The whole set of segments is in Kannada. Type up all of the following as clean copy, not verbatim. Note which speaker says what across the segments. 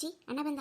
Speaker 1: ಅಜ್ಜಿ ಅಣ್ಣ ಬಂದ.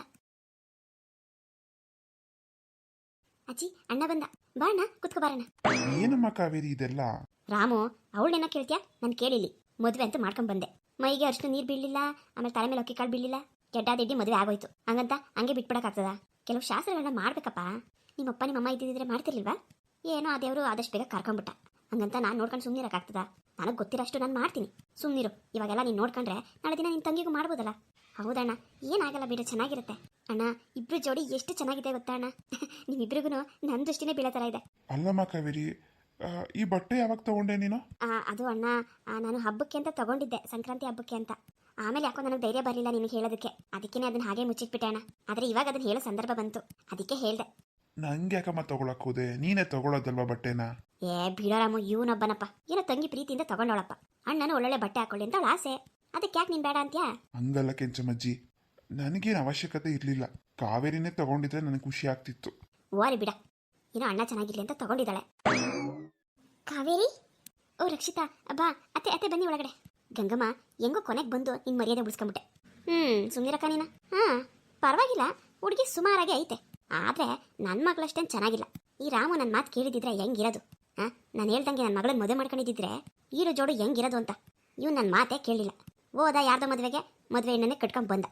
Speaker 1: ಅಜ್ಜಿ ಅಣ್ಣ ಬಂದ, ಬಾ ಅಣ್ಣ ಕುತ್ಕೋ ಬಾರಣ್ಣ.
Speaker 2: ಏನಮ್ಮ ಕಾವೇರಿ ಇದೆಲ್ಲ?
Speaker 1: ರಾಮು ಅವಳನ್ನೇನ ಕೇಳ್ತೀಯಾ? ನಾನು ಕೇಳಿಲಿ. ಮದುವೆ ಅಂತೂ ಮಾಡ್ಕೊಂಡ್ ಬಂದೆ. ಮೈಗೆ ಅಷ್ಟು ನೀರು ಬೀಳಲಿಲ್ಲ, ಆಮೇಲೆ ತಲೆ ಮೇಲೆ ಅಕ್ಕಿ ಕಾಳು ಬೀಳಲಿಲ್ಲ. ಗೆಡ್ಡಾದಿಡ್ಡಿ ಮದುವೆ ಆಗೋಯ್ತು. ಹಂಗಂತ ಹಂಗೆ ಬಿಟ್ಬಿಡಕ್ಕಾಗ್ತದ? ಕೆಲವು ಶಾಸ್ತ್ರಗಳನ್ನ ಮಾಡ್ಬೇಕಪ್ಪ. ನಿಮ್ಮಪ್ಪ ನಿಮ್ಮಮ್ಮ ಇದ್ದಿದ್ರೆ ಮಾಡ್ತಿರ್ಲಿಲ್ವಾ? ಏನೋ ಆ ದೇವರು ಆದಷ್ಟು ಬೇಗ ಕರ್ಕೊಂಡ್ಬಿಟ್ಟ. ಹಂಗಂತ ನಾನು ನೋಡ್ಕೊಂಡು ಸುಮ್ಮನಿರಕ್ಕಾಗ್ತದ? ನನಗೆ ಗೊತ್ತಿರೋಷ್ಟು ನಾನು ಮಾಡ್ತೀನಿ, ಸುಮ್ಮನಿರು. ಇವಾಗೆಲ್ಲ ನೀನು ನೋಡ್ಕೊಂಡ್ರೆ ನಾಳೆ ದಿನ ನಿನ್ನ ತಂಗಿಗೂ ಮಾಡ್ಬೋದಲ್ಲ. ಹೌದಣ್ಣ, ಏನಾಗಲ್ಲ ಬಿಡು, ಚೆನ್ನಾಗಿರುತ್ತೆ. ಅಣ್ಣ ಇಬ್ರು ಜೋಡಿ ಎಷ್ಟು ಚೆನ್ನಾಗಿದೆ ಗೊತ್ತಾ ಅಣ್ಣ? ನಿಮ್ಮಿಬ್ರಿಗೂ ನನ್ನ ದೃಷ್ಟಿನೇ ಬೀಳೋ ಥರ ಇದೆ.
Speaker 2: ಅಲ್ಲಮ್ಮ ಕಾವೇರಿ, ಈ ಬಟ್ಟೆ ಯಾವಾಗ ತಗೊಂಡೆ ನೀನು?
Speaker 1: ಅದು ಅಣ್ಣ, ನಾನು ಹಬ್ಬಕ್ಕೆ ಅಂತ ತಗೊಂಡಿದ್ದೆ, ಸಂಕ್ರಾಂತಿ ಹಬ್ಬಕ್ಕೆ ಅಂತ. ಆಮೇಲೆ ಯಾಕೋ ನನಗೆ ಧೈರ್ಯ ಬರಲಿಲ್ಲ ನಿನಗೆ ಹೇಳೋದಕ್ಕೆ, ಅದಕ್ಕೇನೆ ಅದನ್ನ ಹಾಗೆ ಮುಚ್ಚಿಟ್ಬಿಟ್ಟೆ ಅಣ್ಣ. ಆದರೆ ಇವಾಗ ಅದನ್ನ ಹೇಳೋ ಸಂದರ್ಭ ಬಂತು, ಅದಕ್ಕೆ ಹೇಳ್ದೆ.
Speaker 2: ನಂಗೆ ಯಾಕಮ್ಮ ತಗೊಳಕ್ ಹೋದೆ? ನೀನೇ ತಗೊಳ್ಳೋದಲ್ವಾ ಬಟ್ಟೆನ?
Speaker 1: ಬಿಡೋರಾಮು, ಇವನೊಬ್ಬನಪ್ಪ ಏನೋ ತಂಗಿ ಪ್ರೀತಿಯಿಂದ ತಗೊಂಡವಳಪ್ಪ. ಅಣ್ಣನು ಒಳ್ಳೊಳ್ಳೆ ಬಟ್ಟೆ ಹಾಕೊಳ್ಳಿ ಅಂತ ಅವಳ ಆಸೆ, ಅದಕ್ಕೆ ಯಾಕೆ ನೀನು ಬೇಡ ಅಂತ್ಯಾ?
Speaker 2: ಹಂಗಲ್ಲ ಕೆಂಚಮ್ಮಜ್ಜಿ, ನನಗೇನು ಅವಶ್ಯಕತೆ ಇರಲಿಲ್ಲ. ಕಾವೇರಿನೇ ತಗೊಂಡಿದ್ರೆ ನನಗೆ ಖುಷಿ ಆಗ್ತಿತ್ತು.
Speaker 1: ಓರಿ ಬಿಡ, ಏನೋ ಅಣ್ಣ ಚೆನ್ನಾಗಿರ್ಲಿ ಅಂತ ತಗೊಂಡಿದ್ದಾಳೆ. ಕಾವೇರಿ, ಓ ರಕ್ಷಿತಾ, ಬಾ ಅತ್ತೆ ಅತ್ತೆ ಬನ್ನಿ ಒಳಗಡೆ. ಗಂಗಮ್ಮ, ಹೆಂಗೋ ಕೊನೆಗೆ ಬಂದು ನಿನ್ನ ಮರ್ಯಾದೆ ಉಳಿಸ್ಕೊಂಬಿಟ್ಟೆ. ಸುಮ್ಮನಿರಕ್ಕ ನೀನು. ಪರವಾಗಿಲ್ಲ, ಹುಡುಗಿ ಸುಮಾರಾಗಿ ಐತೆ. ಆದರೆ ನನ್ನ ಮಗಳಷ್ಟೇನು ಚೆನ್ನಾಗಿಲ್ಲ. ಈ ರಾಮು ನನ್ನ ಮಾತು ಕೇಳಿದಿದ್ರೆ ಹೆಂಗಿರೋದು? ನಾನು ಹೇಳ್ದಂಗೆ ನನ್ನ ಮಗಳನ್ನ ಮದುವೆ ಮಾಡ್ಕೊಂಡಿದ್ದಿದ್ರೆ ಈರು ಜೋಡು ಹೆಂಗಿರೋದು ಅಂತ. ಇವ್ನು ನನ್ನ ಮಾತೇ ಕೇಳಲಿಲ್ಲ. ಹೋದ ಯಾರ್ದೋ ಮದುವೆಗೆ, ಮದುವೆ ಹೆಣ್ಣನ್ನೇ ಕಟ್ಕೊಂಡ್ ಬಂದ.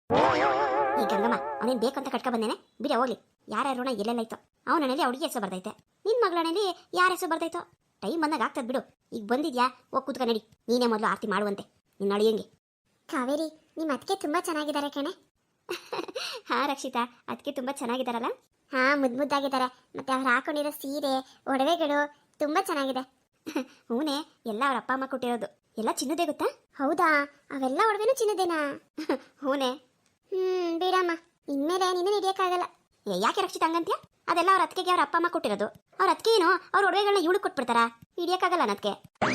Speaker 1: ಈ ಗಂಗಮ್ಮ ಅವನೇನು ಬೇಕಂತ ಕಟ್ಕೊಂಡ್ ಬಂದೇನೆ, ಬಿಡ ಹೋಗ್ಲಿ. ಯಾರ ಋಣ ಎಲ್ಲೆಲ್ಲೈತೋ. ಅವನಲ್ಲಿ ಹುಡುಗಿ ಹೆಸರು ಬರ್ದೈತೆ, ನಿನ್ನ ಮಗಳನಲ್ಲಿ ಯಾರ ಹೆಸರು ಬರ್ದೈತೋ. ಟೈಮ್ ಬಂದಾಗ ಆಗ್ತದೆ ಬಿಡು. ಈಗ ಬಂದಿದ್ಯಾ, ಹೋಗಿ ಕೂತ್ಕ ನಡಿ. ನೀನೇ ಮೊದಲು ಆರತಿ ಮಾಡುವಂತೆ ನಿನ್ನ ಅಳಿಯಂಗೆ. ಕಾವೇರಿ, ನಿಮ್ಮ ಅದಕ್ಕೆ ತುಂಬ ಚೆನ್ನಾಗಿದ್ದಾರೆ ಕಣೆ. ಹಾಂ ರಕ್ಷಿತಾ, ಅದಕ್ಕೆ ತುಂಬ ಚೆನ್ನಾಗಿದ್ದಾರಲ್ಲ? ಹಾಂ, ಮುದ್ದಾಗಿದ್ದಾರೆ. ಮತ್ತೆ ಅವ್ರು ಹಾಕೊಂಡಿರೋ ಸೀರೆ, ಒಡವೆಗಳು ತುಂಬ ಚೆನ್ನಾಗಿದೆ. ಹೂನೇ, ಎಲ್ಲ ಅವ್ರ ಅಪ್ಪ ಅಮ್ಮ ಕೊಟ್ಟಿರೋದು. ಎಲ್ಲ ಚಿನ್ನದೇ ಗೊತ್ತಾ? ಹೌದಾ? ಅವೆಲ್ಲ ಒಡವೆನೂ ಚಿನ್ನದೇನಾ? ಹೂನೇ. ಬೇಡಮ್ಮ, ಇನ್ಮೇಲೆ ನೀನು ಹಿಡಿಯೋಕ್ಕಾಗಲ್ಲ. ಯಾಕೆ ರಕ್ಷಿತ ಹಂಗಂತ್ಯ? ಅದೆಲ್ಲ ಅವ್ರ ಅತ್ತಿಗೆಗೆ ಅವ್ರ ಅಪ್ಪ ಅಮ್ಮ ಕೊಟ್ಟಿರೋದು. ಅವ್ರ ಅತ್ತಿಗೆ ಏನು ಅವ್ರ ಒಡವೆಗಳನ್ನ ಇವಳು ಕೊಟ್ಬಿಡ್ತಾರಾ? ಹಿಡಿಯೋಕ್ಕಾಗಲ್ಲ ಅನ್ನೋದಕ್ಕೆ.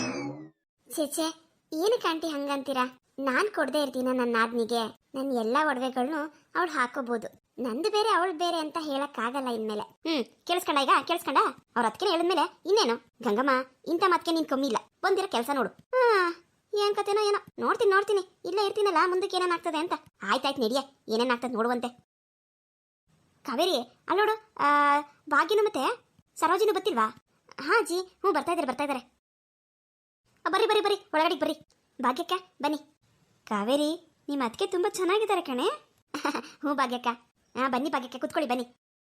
Speaker 1: ಚೇಚೆ, ಏನಕ್ಕೆ ಆಂಟಿ ಹಂಗಂತೀರಾ? ನಾನು ಕೊಡದೇ ಇರ್ತೀನ ನನ್ನ ನಾದ್ನಿಗೆ? ನನ್ನ ಎಲ್ಲ ಒಡವೆಗಳನ್ನು ಅವಳು ಹಾಕೋಬಹುದು, ನಂದು ಬೇರೆ ಅವಳು ಬೇರೆ ಅಂತ ಹೇಳಕ್ಕಾಗಲ್ಲ ಇನ್ಮೇಲೆ. ಕೇಳಿಸ್ಕೊಂಡ? ಈಗ ಕೇಳಿಸ್ಕೊಂಡ? ಅವ್ರ ಅದಕ್ಕೆ ಹೇಳಿದ್ಮೇಲೆ ಇನ್ನೇನು? ಗಂಗಮ್ಮ, ಇಂಥ ಮತ್ಕೆ ನೀನು ಕಮ್ಮಿ ಇಲ್ಲ. ಬಂದಿರೋ ಕೆಲಸ ನೋಡು. ಏನ್ ಕತೆನೋ ಏನೋ, ನೋಡ್ತೀನಿ. ಇಲ್ಲೇ ಇರ್ತೀನಲ್ಲ, ಮುಂದಕ್ಕೆ ಏನೇನಾಗ್ತದೆ ಅಂತ. ಆಯ್ತಾಯ್ತು ನಡಿಯ, ಏನೇನಾಗ್ತದೆ ನೋಡುವಂತೆ. ಕಾವೇರಿ, ಅಲ್ಲಿ ನೋಡು, ಭಾಗ್ಯನು ಮತ್ತೆ ಸರೋಜಿನೂ ಬತ್ತಿಲ್ವಾ? ಹಾಂ ಜಿ, ಬರ್ತಾ ಇದ್ದಾರೆ. ಬರ್ರಿ ಒಳಗಡೆ ಬರ್ರಿ. ಭಾಗ್ಯಕ್ಕ ಬನ್ನಿ. ಕಾವೇರಿ, ನಿಮ್ಮ ಅದಕ್ಕೆ ತುಂಬ ಚೆನ್ನಾಗಿದ್ದಾರೆ ಕಣೆ. ಭಾಗ್ಯಕ್ಕ. ಬನ್ನಿ ಭಾಗ್ಯಕ್ಕ, ಕುತ್ಕೊಳ್ಳಿ ಬನ್ನಿ.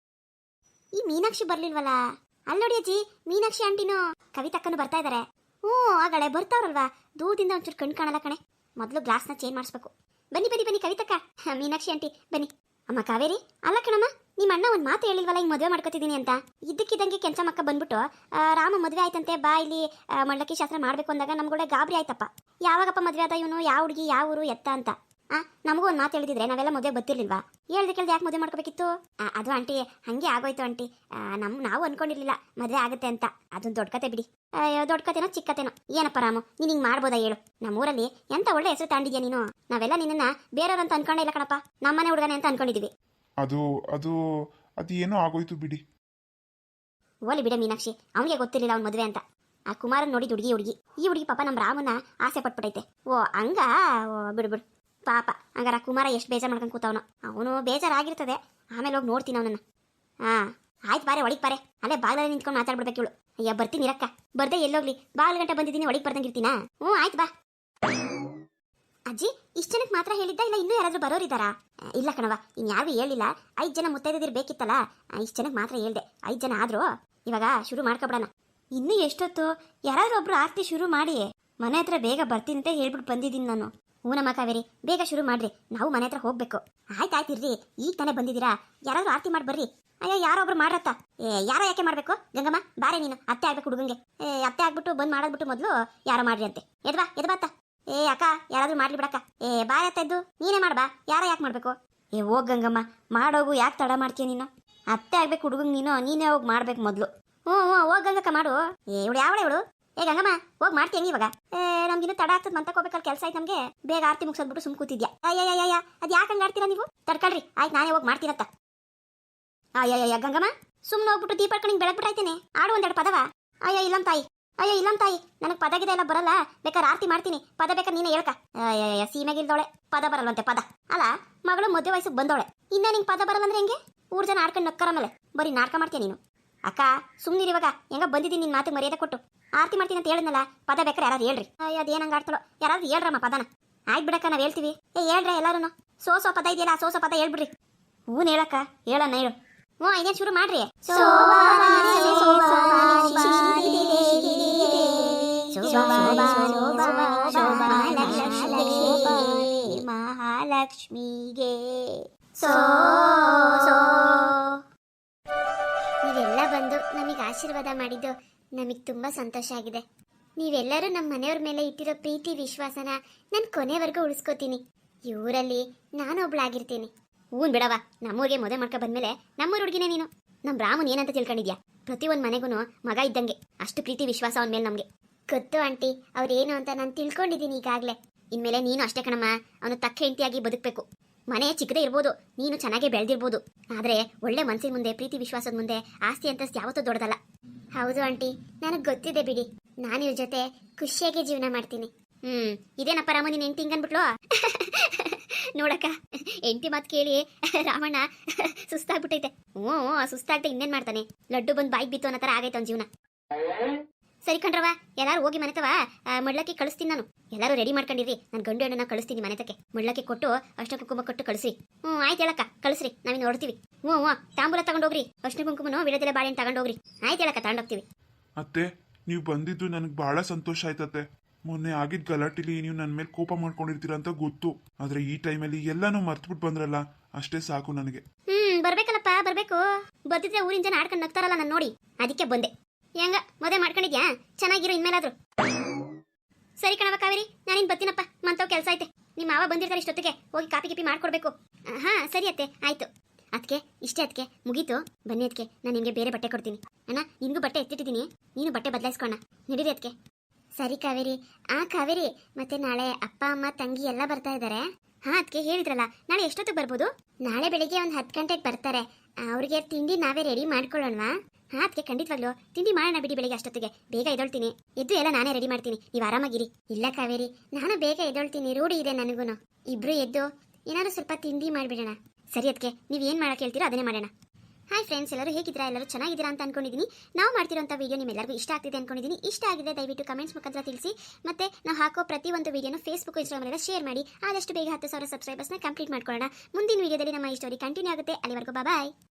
Speaker 1: ಈ ಮೀನಾಕ್ಷಿ ಬರ್ಲಿಲ್ವಲ್ಲ? ಅಲ್ಲಿ ನೋಡಿ ಅಜ್ಜಿ, ಮೀನಾಕ್ಷಿ ಆಂಟಿನೂ ಕವಿತಕ್ಕನು ಬರ್ತಾ ಇದ್ದಾರೆ. ಆಗಳೆ ಬರ್ತಾವ್ರಲ್ವಾ, ದೂರದಿಂದ ಒಂಚೂರು ಕಣ್ ಕಾಣಲ್ಲ ಕಣೆ. ಮೊದಲು ಗ್ಲಾಸ್ನ ಚೇಂಜ್ ಮಾಡಿಸ್ಬೇಕು. ಬನ್ನಿ ಕವಿತಕ್ಕ, ಮೀನಾಕ್ಷಿ ಆಂಟಿ ಬನ್ನಿ. ಅಮ್ಮ ಕಾವೇರಿ, ಅಲ್ಲ ಕಣಮ್ಮ, ನಿಮ್ಮ ಅಣ್ಣ ಒಂದು ಮಾತು ಹೇಳಿಲ್ವಲ್ಲ, ಈಗ ಮದುವೆ ಮಾಡ್ಕೊತಿದ್ದೀನಿ ಅಂತ. ಇದ್ದಕ್ಕಿದ್ದಂಗೆ ಕೆಂಚಮ್ಮಕ್ಕ ಬಂದ್ಬಿಟ್ಟು ರಾಮ ಮದುವೆ ಆಯ್ತಂತೆ, ಬಾ ಇಲ್ಲಿ ಮಂಡಕ್ಕಿ ಶಾಸ್ತ್ರ ಮಾಡಬೇಕು ಅಂದಾಗ ನಮ್ಗೂಡೆ ಗಾಬರಿ ಆಯ್ತಪ್ಪ. ಯಾವಾಗಪ್ಪ ಮದುವೆ ಆದ ಇವನು, ಯಾವ ಹುಡುಗಿ, ಯಾವ ಊರು, ಎತ್ತ ಅಂತ. ನಮಗೂ ಒಂದು ಮಾತು ಹೇಳಿದ್ರೆ ನಾವೆಲ್ಲ ಮದುವೆ ಗೊತ್ತಿರ್ಲಿಲ್ವಾ? ಕೇಳ್ದೆ ಯಾಕೆ ಮದುವೆ ಮಾಡ್ಕೋಬೇಕಿತ್ತು? ಅದು ಆಂಟಿ ಹಂಗೆ ಆಗೋಯ್ತು ಆಂಟಿ. ನಾವು ಅನ್ಕೊಂಡಿರ್ಲಿಲ್ಲ ಮದುವೆ ಆಗುತ್ತೆ ಅಂತ. ಅದೊಂದು ದೊಡ್ಡ ಕತೆ ಬಿಡಿ. ದೊಡ್ಡ ಕತೆನೋ ಚಿಕ್ಕ ಕತೆನೋ ಏನಪ್ಪ ರಾಮು, ನೀನು ಹಿಂಗೆ ಮಾಡ್ಬೋದಾ ಹೇಳು? ನಮ್ಮೂರಲ್ಲಿ ಎಂತ ಒಳ್ಳೆ ಹೆಸರು ತಾಂಡಿದ್ಯಾ ನೀನು. ನಾವೆಲ್ಲ ನಿನ್ನ ಬೇರೆಯವ್ರಂತ ಅನ್ಕೊಂಡೇ ಇಲ್ಲ ಕಣಪ್ಪ, ನಮ್ಮನೆ ಹುಡುಗನೆ ಅಂತ ಅನ್ಕೊಂಡಿದೀವಿ.
Speaker 2: ಅದು ಏನೋ ಆಗೋಯ್ತು ಬಿಡಿ.
Speaker 1: ಓಲಿ ಬಿಡ ಮೀನಾಕ್ಷಿ, ಅವನಿಗೆ ಗೊತ್ತಿರಲಿಲ್ಲ ಅವ್ನ ಮದುವೆ ಅಂತ. ಆ ಕುಮಾರನ್ ನೋಡಿ ಹುಡುಗಿ ಈ ಹುಡುಗಿ ಪಾಪ ನಮ್ಮ ರಾಮನ ಆಸೆ ಪಟ್ಬಿಟ್ಟೈತೆ. ಹಂಗ ಬಿಡು ಪಾಪ. ಹಂಗಾರ ಕುಮಾರ ಎಷ್ಟು ಬೇಜಾರು ಮಾಡ್ಕೊಂಡು ಕೂತವನು. ಅವನು ಬೇಜಾರಾಗಿರ್ತದೆ, ಆಮೇಲೆ ಹೋಗಿ ನೋಡ್ತೀನಿ ಅವನನ್ನ. ಆಯ್ತು ಬಾರೆ, ಒಳಗೆ ಬಾರೆ. ಅಲ್ಲೇ ಬಾಗಿಲಲ್ಲಿ ನಿಂತ್ಕೊಂಡು ಮಾತಾಡ್ಬಿಡ್ಬೇಕು ಇವಳು. ಅಯ್ಯ ಬರ್ತೀನಿ ಇರಕ್ಕ, ಬರ್ದೆ ಎಲ್ಲೋಗ್ಲಿ, ಬಾಗಿಲು ಗಂಟೆ ಬಂದಿದ್ದೀನಿ, ಒಳಗೆ ಬರ್ದಂಗಿರ್ತೀನಾ? ಆಯ್ತು ಬಾ. ಅಜ್ಜಿ, ಇಷ್ಟು ಜನಕ್ಕೆ ಮಾತ್ರ ಹೇಳಿದ್ದ, ಇಲ್ಲ ಇನ್ನೂ ಯಾರಾದ್ರೂ ಬರೋರಿದ್ದಾರಾ? ಇಲ್ಲ ಕಣವ, ಇನ್ಯಾರಿಗೂ ಹೇಳಿಲ್ಲ. 5 ಜನ ಮುತ್ತೈದಿರು ಬೇಕಿತ್ತಲ್ಲ, ಇಷ್ಟು ಜನಕ್ಕೆ ಮಾತ್ರ ಹೇಳ್ದೆ. 5 ಜನ ಆದ್ರೂ ಇವಾಗ ಶುರು ಮಾಡ್ಕೊಬಿಡೋಣ. ಇನ್ನೂ ಎಷ್ಟೊತ್ತು? ಯಾರಾದ್ರೂ ಒಬ್ರು ಆರತಿ ಶುರು ಮಾಡಿ. ಮನೆ ಹತ್ರ ಬೇಗ ಬರ್ತೀನಿ ಅಂತ ಹೇಳ್ಬಿಟ್ಟು ಬಂದಿದ್ದೀನಿ ನಾನು. ಹೂನಮ್ಮ ಕಾವೇರಿ, ಬೇಗ ಶುರು ಮಾಡ್ರಿ, ನಾವು ಮನೆ ಹತ್ರ ಹೋಗ್ಬೇಕು. ಆಯ್ತಾಯ್ತು ಇರ್ರಿ, ಈಗ ತಾನೇ ಬಂದಿದ್ದೀರಾ, ಯಾರಾದ್ರೂ ಆರತಿ ಮಾಡಿ ಬರ್ರಿ. ಅಯ್ಯೋ ಯಾರೊಬ್ರು ಮಾಡ್ರತ್ತ. ಯಾರೋ ಯಾಕೆ ಮಾಡ್ಬೇಕು? ಗಂಗಮ್ಮ ಬಾರೆ, ನೀನು ಅತ್ತೆ ಆಗ್ಬೇಕು ಹುಡುಗಂಗೆ. ಅತ್ತೆ ಆಗ್ಬಿಟ್ಟು ಬಂದು ಮಾಡೋದ್ಬಿಟ್ಟು ಮೊದಲು ಯಾರೋ ಮಾಡ್ರಿ ಅಂತೆ. ಎದ್ಬಾತ್ತ. ಅಕ್ಕ, ಯಾರಾದ್ರೂ ಮಾಡ್ಲಿ ಬಿಡಕ್ಕ. ಬಾರೆ ಅತ್ತ ಎದ್ದು ನೀನೇ ಮಾಡ್ಬಾ, ಯಾರ ಯಾಕೆ ಮಾಡ್ಬೇಕು? ಹೋಗ್ ಗಂಗಮ್ಮ, ಮಾಡೋಗು, ಯಾಕೆ ತಡ ಮಾಡ್ತೀಯ ನೀನು? ಅತ್ತೆ ಆಗ್ಬೇಕು ಹುಡುಗಂಗೆ, ನೀನೇ ಹೋಗಿ ಮಾಡ್ಬೇಕು ಮೊದಲು. ಹೋಗ್ ಗಂಗಕ್ಕ ಮಾಡು. ಇವಳು ಯಾವಳೆ ಇವಳು? ಗಂಗಮ್ಮ ಹೋಗಿ ಮಾಡ್ತೀನಿ ಇವಾಗ. ನಮ್ಗಿನ್ನೂ ತಡ ಆಗ್ತದೆ, ಮಂತಕ್ಕೆ ಹೋಗ್ಬೇಕಲ್ಲ, ಕೆಲಸ ಆಯ್ತು ನಮಗೆ. ಬೇಗ ಆರತಿ ಮುಗಿಸೋದ್ಬಿಟ್ಟು ಸುಮ್ ಕೂತಿದ್ಯಾ? ಅಯ್ಯ ಅದು ಯಾಕೆ ಹಂಗೆ ಆಡ್ತೀರಾ ನೀವು? ತಡ್ಕೊಳ್ರಿ, ಆಯ್ತು ನಾನೇ ಹೋಗಿ ಮಾಡ್ತೀನತ್ತ. ಅಯ್ಯ ಗಂಗಮ್ಮ, ಸುಮ್ಮನೆ ಹೋಗ್ಬಿಟ್ಟು ದೀಪ ಇಟ್ಕೊಂಡು ಹಿಂಗೆ ಬೆಳಗ್ಬಿಟ್ಟಾಯ್ತೇನೆ. ಆಡು ಒಂದೆರಡು ಪದವ. ಅಯ್ಯ ಇಲ್ಲಮ್ಮ ತಾಯಿ, ಅಯ್ಯೋ ಇಲ್ಲಮ್ಮ ತಾಯಿ, ನನಗೆ ಪದಗಿದೆ ಎಲ್ಲ ಬರಲ್ಲ. ಬೇಕಾದ್ರೆ ಆರತಿ ಮಾಡ್ತೀನಿ, ಪದ ಬೇಕಾದ್ರೆ ನೀನೇ ಹೇಳ್ಕ. ಸೀಮೆಗಿಲ್ದೋಳೆ, ಪದ ಬರಲ್ವಂತೆ ಪದ. ಅಲ್ಲ, ಮಗಳು ಮದುವೆ ವಯಸ್ಸಿಗೆ ಬಂದವಳೆ, ಇನ್ನ ನಿಂಗೆ ಪದ ಬರಲ್ಲ ಅಂದ್ರೆ ಹೆಂಗೆ? ಊರ್ ಜನ ಆಡ್ಕೊಂಡು ನಕ್ಕರ ಮೇಲೆ ಬರೀ ನಾಟಕ ಮಾಡ್ತೀಯ ನೀನು. ಅಕ್ಕ ಸುಮ್ಮನಿರಿ, ಇವಾಗ ಹೆಂಗ ಬಂದಿದ್ದೀನಿ ನಿನ್ನ ಮಾತಿಗೆ ಮರ್ಯಾದೆ ಕೊಟ್ಟು. ಆರತಿ ಮಾಡ್ತೀನಿ ಅಂತ ಹೇಳಿದ್ನಲ್ಲ, ಪದ ಬೇಕಾರೆ ಯಾರು ಹೇಳ್ರಿ. ಅದೇನು ಹಂಗೆ ಆಡ್ತಾಳೋ, ಯಾರಾದ್ರೂ ಹೇಳ್ರಮ್ಮ ಪದನ. ಆಯ್ತು ಬಿಡಕ್ಕ, ನಾವು ಹೇಳ್ತೀವಿ. ಹೇಳ್ರಿ ಎಲ್ಲಾರು. ಸೋ ಪದ ಇದೆಯಲ್ಲ, ಸೋ ಪದ ಹೇಳ್ಬಿಡ್ರಿ. ಹೂನ್ ಹೇಳಕ್ಕ, ಹೇಳಣ್ಣ ಹೇಳು. ಹ್ಞೂ ಇದೇನು ಶುರು ಮಾಡ್ರಿ. ಮಹಾಲಕ್ಷ್ಮಿಗೆ ನೀವೆಲ್ಲ ಬಂದು ನಮಗೆ ಆಶೀರ್ವಾದ ಮಾಡಿದ್ದು ನಮಗೆ ತುಂಬಾ ಸಂತೋಷ ಆಗಿದೆ. ನೀವೆಲ್ಲರೂ ನಮ್ಮ ಮನೆಯವ್ರ ಮೇಲೆ ಇಟ್ಟಿರೋ ಪ್ರೀತಿ ವಿಶ್ವಾಸನ ನಾನು ಕೊನೆವರೆಗೂ ಉಳಿಸ್ಕೋತೀನಿ. ಈ ಊರಲ್ಲಿ ನಾನು ಒಬ್ಳಾಗಿರ್ತೀನಿ. ಹೂನ್ ಬಿಡವ, ನಮ್ಮೂರಿಗೆ ಮದುವೆ ಮಾಡ್ಕೊ ಬಂದ್ಮೇಲೆ ನಮ್ಮೂರ ಹುಡುಗಿನೇ ನೀನು. ನಮ್ಮ ರಾಮನ್ ಏನಂತ ತಿಳ್ಕೊಂಡಿದ್ಯಾ? ಪ್ರತಿಯೊಂದು ಮನೆಗೂ ಮಗ ಇದ್ದಂಗೆ, ಅಷ್ಟು ಪ್ರೀತಿ ವಿಶ್ವಾಸ ಅವನ ಮೇಲೆ ನಮಗೆ ಗೊತ್ತು ಆಂಟಿ. ಅವ್ರೇನು ಅಂತ ನಾನು ತಿಳ್ಕೊಂಡಿದ್ದೀನಿ ಈಗಾಗಲೇ. ಇನ್ಮೇಲೆ ನೀನು ಅಷ್ಟೇ ಕಣಮ್ಮ, ಅವನು ತಕ್ಕ ಹೆಂಡತಿಯಾಗಿ ಬದುಕಬೇಕು. ಮನೆ ಚಿಕ್ಕದೇ ಇರ್ಬೋದು, ನೀನು ಚೆನ್ನಾಗೇ ಬೆಳೆದಿರ್ಬೋದು, ಆದರೆ ಒಳ್ಳೆ ಮನಸ್ಸಿನ ಮುಂದೆ, ಪ್ರೀತಿ ವಿಶ್ವಾಸದ ಮುಂದೆ ಆಸ್ತಿ ಅಂತಸ್ತು ಯಾವತ್ತೂ ದೊಡ್ಡದಲ್ಲ. ಹೌದು ಆಂಟಿ, ನನಗೆ ಗೊತ್ತಿದೆ ಬಿಡಿ. ನಾನು ಇವ್ರ ಜೊತೆ ಖುಷಿಯಾಗಿ ಜೀವನ ಮಾಡ್ತೀನಿ. ಇದೇನಪ್ಪ ರಾಮ, ನೀನು ಹೆಂಡತಿ ಹಿಂಗನ್ಬಿಟ್ಲು ನೋಡಕ್ಕ. ಹೆಂಡತಿ ಮಾತು ಕೇಳಿ ರಾಮಣ್ಣ ಸುಸ್ತಾಗ್ಬಿಟ್ಟೈತೆ. ಹ್ಞೂ ಸುಸ್ತಾಗ್ದೆ ಇನ್ನೇನು ಮಾಡ್ತಾನೆ? ಲಡ್ಡು ಬಂದು ಬಾಯಿಗೆ ಬಿತ್ತು ಅನ್ನೋ ಥರ ಆಗೈತೆ ಅವ್ನ ಜೀವನ. ಸರಿ ಕಣ್ರವ, ಎಲ್ಲರೂ ಹೋಗಿ ಮನೆತವ ಮಡ್ಲಕ್ಕೆ ಕಳಿಸ್ತೀನಿ ನಾನು. ಎಲ್ಲರೂ ರೆಡಿ ಮಾಡ್ಕೊಂಡಿರಿ, ನಾನು ಗಂಡು ಹೆಣ್ಣನ್ನ ಕಳಿಸ್ತೀನಿ ಮನೆತಕ್ಕೆ. ಮಡ್ಲಕ್ಕೆ ಕೊಟ್ಟು ಅಷ್ಟ ಕುಂಕುಮ ಕೊಟ್ಟು ಕಳಿಸ್ರಿ. ಆಯ್ತು ಹೇಳಕ್ಕ, ಕಳಿಸ್ರಿ, ನಾವಿನ್ನು ನೋಡ್ತೀವಿ. ತಾಂಬೂಲ ತಗೊಂಡೋಗ್ರಿ, ಅಷ್ಟ ಕುಂಕುಮನೋ ವಿಳದೆಲೆ ಬಾಳೆಹಣ್ಣು ತಗೊಂಡೋಗ್ರಿ. ಆಯ್ತು ಹೇಳಕ್ಕ, ತಗೊಂಡೋಗ್ತೀವಿ.
Speaker 2: ಅತ್ತೆ, ನೀವು ಬಂದಿದ್ದು ನನಗೆ ಬಹಳ ಸಂತೋಷ ಆಯ್ತತ್ತೆ. ಮೊನ್ನೆ ಆಗಿದ್ದ ಗಲಾಟಿಲಿ ನೀವು ನನ್ನ ಮೇಲೆ ಕೋಪ ಮಾಡ್ಕೊಂಡಿರ್ತೀರ ಅಂತ ಗೊತ್ತು, ಆದ್ರೆ ಈ ಟೈಮಲ್ಲಿ ಎಲ್ಲಾನು ಮರ್ತ್ಬಿಟ್ಟು ಬಂದ್ರಲ್ಲ, ಅಷ್ಟೇ ಸಾಕು ನನಗೆ.
Speaker 1: ಬರ್ಬೇಕಲ್ಲಪ್ಪ, ಬರ್ಬೇಕು. ಬರ್ತಿದ್ರೆ ಊರಿನ ಜನ ಆಡ್ಕೊಂಡು ನಗ್ತಾರಲ್ಲ ನಾನು ನೋಡಿ, ಅದಕ್ಕೆ ಬಂದೆ. ಹೆಂಗ ಮದುವೆ ಮಾಡ್ಕೊಂಡಿದ್ಯಾ? ಚೆನ್ನಾಗಿರೋ ಇನ್ಮೇಲಾದ್ರು. ಸರಿ ಕಣವ ಕಾವೇರಿ, ನಾನಿನ್ ಬರ್ತೀನಪ್ಪ, ಮಂತವ್ ಕೆಲಸ ಐತೆ. ನಿಮ್ಮ ಮಾವ ಬಂದಿರ್ತಾರೆ ಇಷ್ಟೊತ್ತಿಗೆ, ಹೋಗಿ ಕಾಪಿ ಗಿಪಿ ಮಾಡ್ಕೊಡ್ಬೇಕು. ಹಾ ಸರಿ ಅತ್ತೆ, ಆಯ್ತು. ಅದಕ್ಕೆ ಇಷ್ಟೇ, ಅದಕ್ಕೆ ಮುಗೀತು. ಬನ್ನಿ ಅದಕ್ಕೆ, ನಾನು ನಿಮಗೆ ಬೇರೆ ಬಟ್ಟೆ ಕೊಡ್ತೀನಿ. ಅಣ್ಣ ನಿನ್ಗೂ ಬಟ್ಟೆ ಎತ್ತಿಟ್ಟಿದ್ದೀನಿ, ನೀನು ಬಟ್ಟೆ ಬದಲಾಯಿಸ್ಕೊಣ. ನಡೀರಿ ಅದಕ್ಕೆ. ಸರಿ ಕಾವೇರಿ. ಕಾವೇರಿ, ಮತ್ತೆ ನಾಳೆ ಅಪ್ಪ ಅಮ್ಮ ತಂಗಿ ಎಲ್ಲ ಬರ್ತಾ ಇದ್ದಾರೆ. ಅದಕ್ಕೆ ಹೇಳಿದ್ರಲ್ಲ, ನಾಳೆ ಎಷ್ಟೊತ್ತಿಗೆ ಬರ್ಬೋದು? ನಾಳೆ ಬೆಳಿಗ್ಗೆ ಒಂದು 10 ಗಂಟೆಗೆ ಬರ್ತಾರೆ. ಅವ್ರಿಗೆ ತಿಂಡಿ ನಾವೇ ರೆಡಿ ಮಾಡ್ಕೊಳ್ಳೋಣವಾ? ಅದಕ್ಕೆ ಖಂಡಿತವಾಗ್ಲೂ ತಿಂಡಿ ಮಾಡೋಣ ಬಿಡಿ. ಬೆಳಿಗ್ಗೆ ಅಷ್ಟೊತ್ತಿಗೆ ಬೇಗ ಎದ್ದೊಳ್ತೀನಿ, ಎದ್ದು ಎಲ್ಲ ನಾನೇ ರೆಡಿ ಮಾಡ್ತೀನಿ, ನೀವು ಆರಾಮಾಗಿರಿ. ಇಲ್ಲ ಕಾವೇರಿ, ನಾನು ಬೇಗ ಎದ್ದೊಳ್ತೀನಿ, ರೂಢಿ ಇದೆ ನನಗೂ. ಇಬ್ರು ಎದ್ದು ಏನಾದ್ರು ಸ್ವಲ್ಪ ತಿಂಡಿ ಮಾಡಿಬಿಡೋಣ. ಸರಿ ಅದಕ್ಕೆ, ನೀವು ಏನು ಮಾಡಕ್ಕೆ ಹೇಳ್ತೀರೋ ಅದನ್ನೇ ಮಾಡೋಣ. ಹಾಯ್ ಫ್ರೆಂಡ್ಸ್, ಎಲ್ಲರೂ ಹೇಗಿದ್ದೀರಾ? ಎಲ್ಲರೂ ಚೆನ್ನಾಗಿದ್ದೀರಾ ಅಂತ ಅನ್ಕೊಂಡಿದ್ದೀನಿ. ನಾವು ಮಾಡ್ತಿರೋಂಥ ವಿಡಿಯೋ ನಿಮ್ಮೆಲ್ಲರಿಗೂ ಇಷ್ಟ ಆಗ್ತಿದೆ ಅನ್ಕೊಂಡಿದ್ದೀನಿ. ಇಷ್ಟ ಆಗಿದೆ ದಯವಿಟ್ಟು ಕಮೆಂಟ್ಸ್ ಮುಖಾಂತರ ತಿಳಿಸಿ. ಮತ್ತೆ ನಾವು ಹಾಕೋ ಪ್ರತಿಯೊಂದು ವಿಡಿಯೋನ ಫೇಸ್ಬುಕ್, ಇನ್ಸ್ಟಾಗ್ರಾಮ್ ಶೇರ್ ಮಾಡಿ. ಆದಷ್ಟು ಬೇಗ 10,000 ಸಬ್ಸ್ಕ್ರೈಬರ್ಸ್ನ ಕಂಪ್ಲೀಟ್ ಮಾಡ್ಕೊಳ್ಳೋಣ. ಮುಂದಿನ ವಿಡಿಯೋದಲ್ಲಿ ನಮ್ಮ ಈ ಸ್ಟೋರಿ ಕಂಟಿನ್ಯೂ ಆಗುತ್ತೆ. ಅಲ್ಲಿವರೆಗೂ ಬಾಯ್.